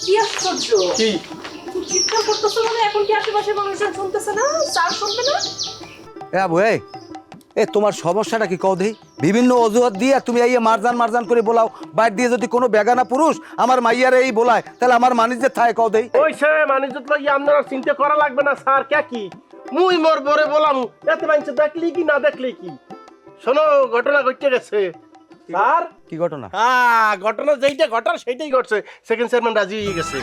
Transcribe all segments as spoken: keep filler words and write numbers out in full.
কি আশ্চর্য! কি তুমি চিৎকার করতেছো মানে এখন কি আশেপাশের মানুষজন শুনতেছে না? স্যার শুনবে না? এ আবু এই এ তোমার সমস্যাটা কি কও দেই? বিভিন্ন অজুহাত দিয়ে তুমি এই মারজান মারজান করে বলাও, বাইর দিয়ে যদি কোনো বেগানা পুরুষ আমার মাইয়ারে এই বলায় তাহলে আমার মানিজ্যে থায় কও দেই। ওই সে মানিজ্যত লই আপনারা চিন্তা করা লাগবে না স্যার। কে কি মুই মোর বরে বলাম এত মানুষ দেখলি কি না দেখলি কি? শোনো ঘটনা ঘটে গেছে স্যার। কি ঘটনা? হ্যাঁ ঘটনা যেইটা ঘটার সেইটাই ঘটছে। সেকেন্ড চেয়ারম্যান রাজি হয়ে গেছে।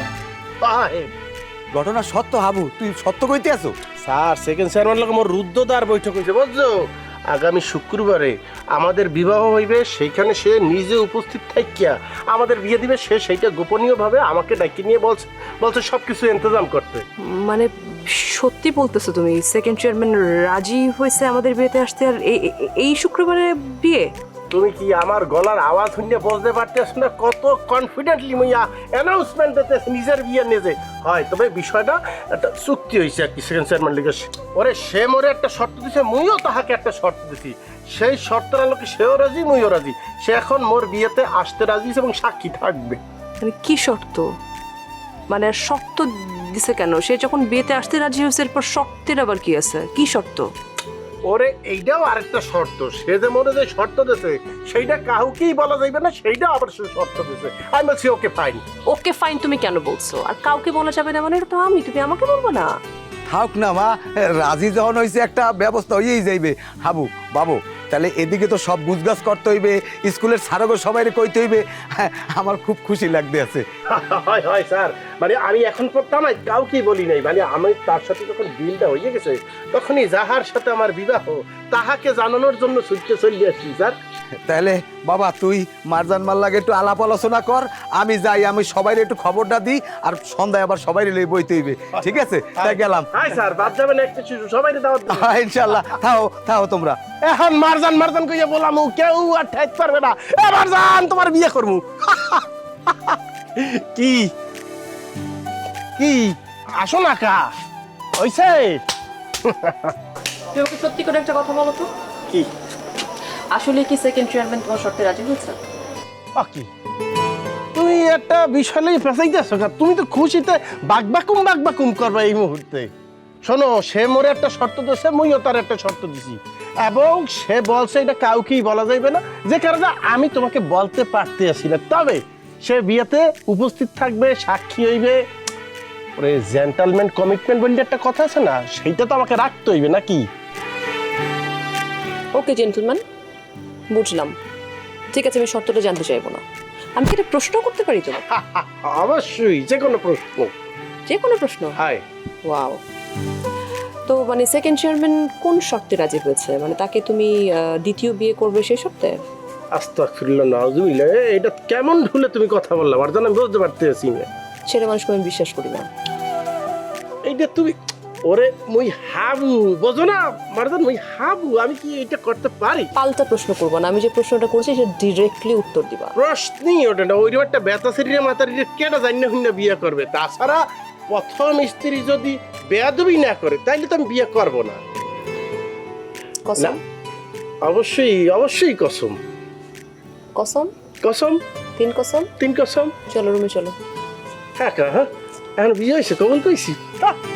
ঘটনা সত্য হাবু, তুই সত্য কইতে আছো? স্যার সেকেন্ড চেয়ারম্যান লোক মোর রুদ্ধদ্বার বৈঠক হয়েছে বুঝছো। আগামী শুক্রবারে আমাদের বিবাহ হইবে, সেইখানে সে নিজে উপস্থিত থাকিয়া আমাদের বিয়ে দিবে। সে সেইটা গোপনীয়ভাবে আমাকে ডাকি নিয়ে বলছে বলছে সব কিছু ইন্তজাম করতে। মানে সত্যি বলতেছো তুমি? সেকেন্ড চেয়ারম্যান রাজি হয়েছে আমাদের বিয়েতে আসতে, আর এই শুক্রবারে বিয়ে? তুমি কি আমার গলার আওয়াজ শুনে বলতে পারতেছ না কত কনফিডেন্টলি মুইয়া অ্যানাউন্সমেন্ট দিতেছে নিজের বিয়ে নিজে হয়? তবে বিষয়টা একটা চুক্তি হয়েছে আর কি সেকেন্ড চেয়ারম্যান লিগে। ওরে সে মোরে একটা শর্ত দিছে, মুইও তাহাকে একটা শর্ত দিছি। সেই শর্তের আলোকে সেও রাজি মুইও রাজি। সে এখন মোর বিয়েতে আসতে রাজি এবং সাক্ষী থাকবে। মানে কি শর্ত? মানে শর্ত দিছে কেন? সে যখন বিয়েতে আসতে রাজি হয়েছে এরপর শর্তের আবার কি আছে? কি শর্ত? ওরে এইটাও আরেকটা শর্ত। সে যে মনে যে শর্ত দিছে সেইটা কাউকেই বলা যাইবে না, সেইটা আবার সে শর্ত দিছে। আমি বলছি ওকে ফাইন। ওকে ফাইন তুমি কেন বলছো? আর কাউকে বলা যাবে না মানে? এটা তো আমি, তুমি আমাকে বলবো না? থাক না মা, রাজি যখন হয়েছে একটা ব্যবস্থা হয়েই যাইবে। হাবু বাবু তাহলে এদিকে তো সব গুজগাছ করতে হইবে, স্কুলের স্যারগো সবাই কইতে হইবে। হ্যাঁ, আমার খুব খুশি লাগতে আছে। হয় হয় স্যার, মানে আমি এখন পড়তাম না কাউকেই বলি নাই। মানে আমি তার সাথে যখন বিলটা হয়ে গেছে তখনই যাহার সাথে আমার বিবাহ তাহাকে জানানোর জন্য ছুটতে চলে আসছি স্যার। তাহলে বাবা তুই মারজান মাল্লাকে একটু আলাপ আলোচনা কর, আমি যাই, আমি সবাই একটু খবরটা দিই, আর সন্ধ্যায় আবার সবাই লই বইতে হইবে। ঠিক আছে, তাই গেলাম। হ্যাঁ স্যার, বাদ যাবেন একটা শিশু সবাই দাওয়াত দেবেন। হ্যাঁ ইনশাল্লাহ, থাও থাও তোমরা। এখন মারজান মারজান কইয়া বললাম কেউ আর ঠাইতে পারবে না। এ মারজান তোমার বিয়ে করবো। কি কি আসো না কা হইছে? তুমি আমাকে সত্যি করে একটা কথা বলো তো, কি আসলে কি সেকেন্ড চেয়ারম্যান তোমার শর্তে রাজি হয়েছে? কি তুমি একটা বিষয় নিয়ে ফেসাইতেছো? তুমি তো খুশিতে বাকবাকুম বাকবাকুম করবে এই মুহূর্তে। শোনো, সে মোরে একটা শর্ত দিয়েছে, মুইও তার একটা শর্ত দিছি, এবং সে বলছে এটা কাউকেই বলা যাইবে না, যে কারণে আমি তোমাকে বলতে পারতে আসি না। তবে সে বিয়েতে উপস্থিত থাকবে, সাক্ষী হইবে। ওরে জেন্টালম্যান কমিটমেন্ট বলে একটা কথা আছে না, সেইটা তো আমাকে রাখতে হইবে নাকি? ওকে জেন্টলম্যান, বুঝলাম। ঠিক আছে, আমি শর্তটা জানতে চাইবো না। আমি কি এটা প্রশ্ন করতে পারি তো? অবশ্যই, যে কোনো প্রশ্ন। যে কোনো প্রশ্ন? Hi wow. তো মানে সেকেন্ড চেয়ারম্যান কোন শর্তে রাজি হয়েছে? মানে তাকে তুমি দ্বিতীয় বিয়ে করবে সেই শর্তে? আস্তাগফিরুল্লাহ, নাউযুবিল্লাহ। এটা কেমন ভুলে তুমি কথা বললা? আর জান আমি বুঝতে পারতেছি না। ছেলে মানুষকে আমি বিশ্বাস করি না। এইটা তুমি ওরে মুই হাবু বোঝো না মারজান, মুই হাবু, আমি কি এটা করতে পারি? পাল্টা প্রশ্ন করবো না, আমি যে প্রশ্নটা করছি সেটা ডিরেক্টলি উত্তর দিবা। প্রশ্নই ওটা না। ওই একটা বেতা শরীরে মাতার কেটা জানি না বিয়ে করবে। তাছাড়া প্রথম স্ত্রী যদি বেয়াদবি না করে তাইলে তো আমি বিয়ে করবো না। কসম? অবশ্যই অবশ্যই কসম। কসম? কসম, তিন কসম? তিন কসম। চলো রুমে চলো। হ্যাঁ হ্যাঁ, এখন বিয়ে হয়েছে কখন কইছি।